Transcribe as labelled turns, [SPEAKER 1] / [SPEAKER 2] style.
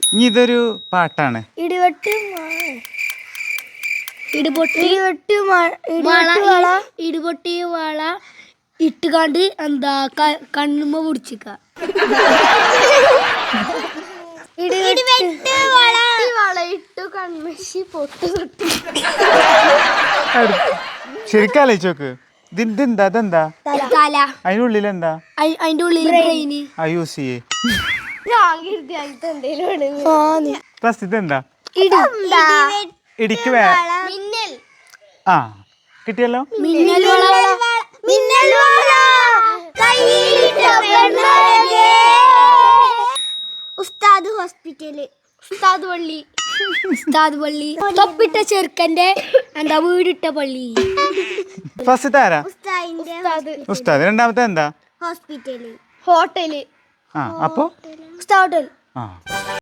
[SPEAKER 1] ഇനി ഇതൊരു പാട്ടാണ്.
[SPEAKER 2] ഇടിപൊട്ടി വള ഇട്ടുകാണ്ട് എന്താ കണ്ണുമ്മ പിടിച്ചിക്ക.
[SPEAKER 1] ശരിക്കും ആലോചിച്ചോക്ക്. ഇതെന്താ അതെന്താ? അതിനുള്ളിൽ എന്താ?
[SPEAKER 2] അതിന്റെ ഉള്ളിൽ
[SPEAKER 1] യൂസ് ചെയ്യേ. ഇതെന്താ? ഇടിക്ക് ആ കിട്ടിയല്ലോ.
[SPEAKER 3] ഉസ്താദ് ഹോസ്പിറ്റല്.
[SPEAKER 2] ഉസ്താദ് പള്ളി. തൊപ്പിട്ട ചെറുക്കന്റെ എന്താ വീടിട്ട പള്ളി.
[SPEAKER 1] ഫസ്റ്റ് ആരാ? ഉസ്താദ്. രണ്ടാമത്തെ എന്താ?
[SPEAKER 3] ഹോസ്പിറ്റല്.
[SPEAKER 2] ഹോട്ടല്.
[SPEAKER 1] അപ്പൊ
[SPEAKER 2] ഉസ്താദ് ഹോട്ടൽ.